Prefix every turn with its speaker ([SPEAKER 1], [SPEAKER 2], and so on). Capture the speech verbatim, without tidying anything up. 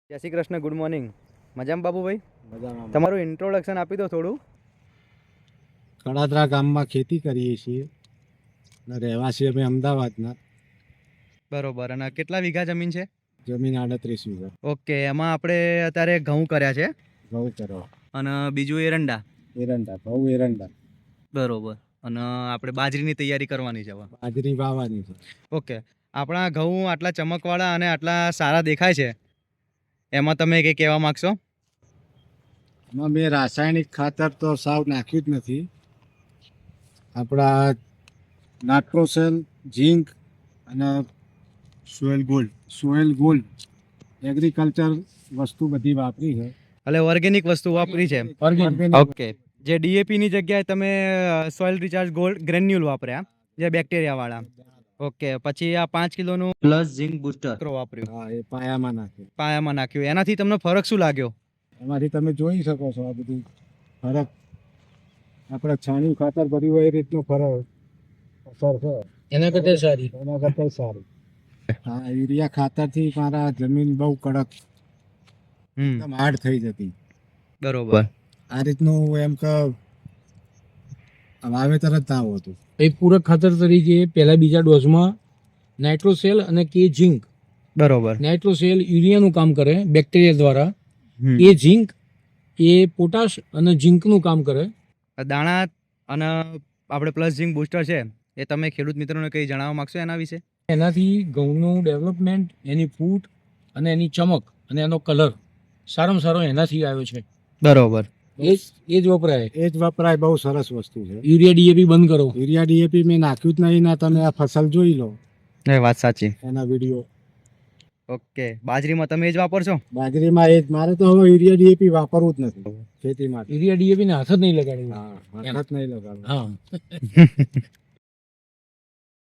[SPEAKER 1] જય Shri Krishna, good morning. મજામાં બાબુભાઈ?
[SPEAKER 2] મજામાં.
[SPEAKER 1] તમારું ઇન્ટ્રોડક્શન આપી દો થોડું.
[SPEAKER 2] કડાદરા ગામમાં ખેતી કરીએ છીએ અને રહેવાસી અમે અમદાવાદના.
[SPEAKER 1] બરોબર. અને કેટલા વીઘા જમીન છે?
[SPEAKER 2] જમીન આડત્રીસ વીઘા.
[SPEAKER 1] ઓકે, એમાં આપણે અત્યારે ઘઉં કર્યા છે
[SPEAKER 2] ઘઉં કરો,
[SPEAKER 1] અને બીજું એરંડા.
[SPEAKER 2] એરંડા ઘઉં એરંડા.
[SPEAKER 1] બરોબર. અને આપણે બાજરીની તૈયારી કરવાની છે હવે.
[SPEAKER 2] બાજરી વાવવાની છે.
[SPEAKER 1] ઓકે, આપણા ઘઉં આટલા ચમકવાળા અને આટલા સારા દેખાય છે, એમાં તમે કંઈ કહેવા માગશો?
[SPEAKER 2] એમાં મેં રાસાયણિક ખાતર તો સાવ નાખ્યું જ નથી. આપણા નાઇટ્રોસેલ, ઝીંક અને soil gold soil gold agriculture વસ્તુ બધી વાપરી છે.
[SPEAKER 1] એટલે ઓર્ગેનિક વસ્તુ વાપરી છે.
[SPEAKER 2] Organic.
[SPEAKER 1] ઓકે, જે ડીએપીની જગ્યાએ તમે સોઇલ રિચાર્જ ગોલ્ડ ગ્રેન્યુલ વાપર્યા, જે બેક્ટેરિયાવાળા. ઓકે, પછી આ પાંચ કિલોનું પ્લસ ઝિંક બૂસ્ટર વાપર્યું,
[SPEAKER 2] હા, એ પાયામાં નાખ્યું.
[SPEAKER 1] પાયામાં નાખ્યું. એનાથી તમને ફરક શું લાગ્યો?
[SPEAKER 2] એમાંથી તમે જોઈ શકો છો આ બધું ફરક. આપણે છાણિયું ખાતર ભર્યું હોય એ રીતનો ફરક અસર છે.
[SPEAKER 3] એના કરતા સારી
[SPEAKER 2] એના કરતાં સારું. હા, યુરિયા ખાતરથી મારા જમીન બહુ કડક,
[SPEAKER 1] હમ,
[SPEAKER 2] એકદમ હાર્ડ થઈ જતી.
[SPEAKER 1] બરોબર.
[SPEAKER 2] આ રીતનું એમ કે વાવેતર જ ના હોતું.
[SPEAKER 3] એ પૂરક ખાતર તરીકે પહેલા બીજા ડોઝમાં નાઇટ્રોસેલ અને કે ઝિંક.
[SPEAKER 1] બરોબર.
[SPEAKER 3] નાઇટ્રોસેલ યુરિયાનું કામ કરે બેક્ટેરિયા દ્વારા,
[SPEAKER 1] હમ.
[SPEAKER 3] એ ઝિંક એ પોટાશ અને ઝિંકનું કામ કરે.
[SPEAKER 1] દાણા અને આપણે પ્લસ ઝિંક બૂસ્ટર છે, એ તમે ખેડૂત મિત્રોને કંઈ જણાવવા માંગશો એના વિશે?
[SPEAKER 3] એનાથી ઘઉંનું ડેવલપમેન્ટ, એની ફૂટ અને એની ચમક અને એનો કલર સારામાં સારો એનાથી આવ્યો છે.
[SPEAKER 1] બરોબર.
[SPEAKER 3] એ જ એ જ વપરાય.
[SPEAKER 2] એ જ વપરાય. બહુ સરસ વસ્તુ છે.
[SPEAKER 3] યુરિયા ડીએપી બંધ કરો.
[SPEAKER 2] યુરિયા ડીએપી મેં નાખ્યું જ નહીં. ના, તમે આ ફસલ જોઈ લો,
[SPEAKER 1] એ વાત સાચી.
[SPEAKER 2] એના વિડીયો.
[SPEAKER 1] ઓકે, બાજરીમાં તમે એ જ વાપરશો?
[SPEAKER 2] બાજરીમાં એ જ. મારે તો હવે યુરિયા ડીએપી વાપરવું જ નથી ખેતીમાં.
[SPEAKER 3] યુરિયા ડીએપી ને હાથ જ નહીં લગાડવું.
[SPEAKER 2] હા, હાથ જ નહીં લગાડવો.
[SPEAKER 3] હા